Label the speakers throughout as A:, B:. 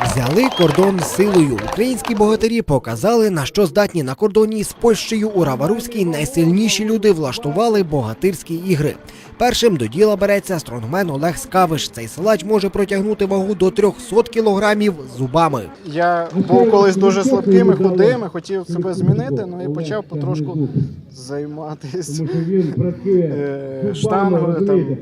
A: Взяли кордон силою. Українські богатирі показали, на що здатні на кордоні з Польщею у Раваруській найсильніші люди влаштували богатирські ігри. Першим до діла береться стронгмен Олег Скавиш. Цей силач може протягнути вагу до 300 кілограмів зубами.
B: Я був колись дуже слабким і худим, хотів себе змінити, і почав потрошку займатися штангою.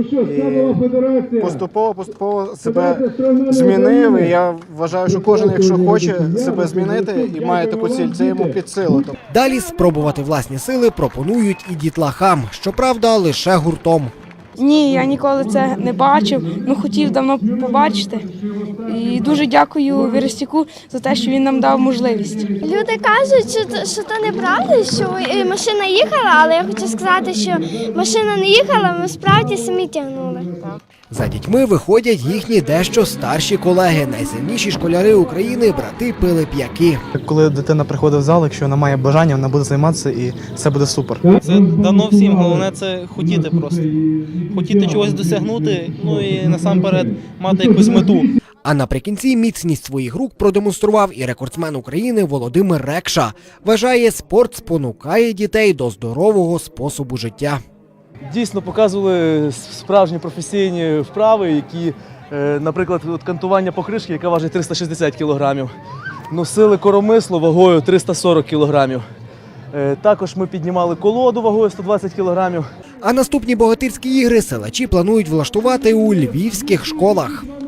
B: Поступово себе змінив. І я вважаю, що кожен, якщо хоче себе змінити і має таку ціль, це йому під силу.
A: Далі спробувати власні сили пропонують і дітлахам. Щоправда, лише гуртом.
C: Ні, я ніколи це не бачив, хотів давно побачити. І дуже дякую Верестюку за те, що він нам дав можливість.
D: Люди кажуть, що це неправда, що машина їхала, але я хочу сказати, що машина не їхала, ми справді самі тягнули.
A: За дітьми виходять їхні дещо старші колеги. Найсильніші школяри України – брати Пилип'яки.
E: Коли дитина приходить в зал, якщо вона має бажання, вона буде займатися і все буде супер.
F: Це дано всім, головне це хотіти просто. Хотіти чогось досягнути, і насамперед мати якусь мету.
A: А наприкінці міцність своїх рук продемонстрував і рекордсмен України Володимир Рекша. Вважає, спорт спонукає дітей до здорового способу життя.
G: Дійсно показували справжні професійні вправи, які, наприклад, кантування покришки, яка важить 360 кілограмів, носили коромисло вагою 340 кілограмів. Також ми піднімали колоду вагою 120 кілограмів.
A: А наступні богатирські ігри силачі планують влаштувати у львівських школах.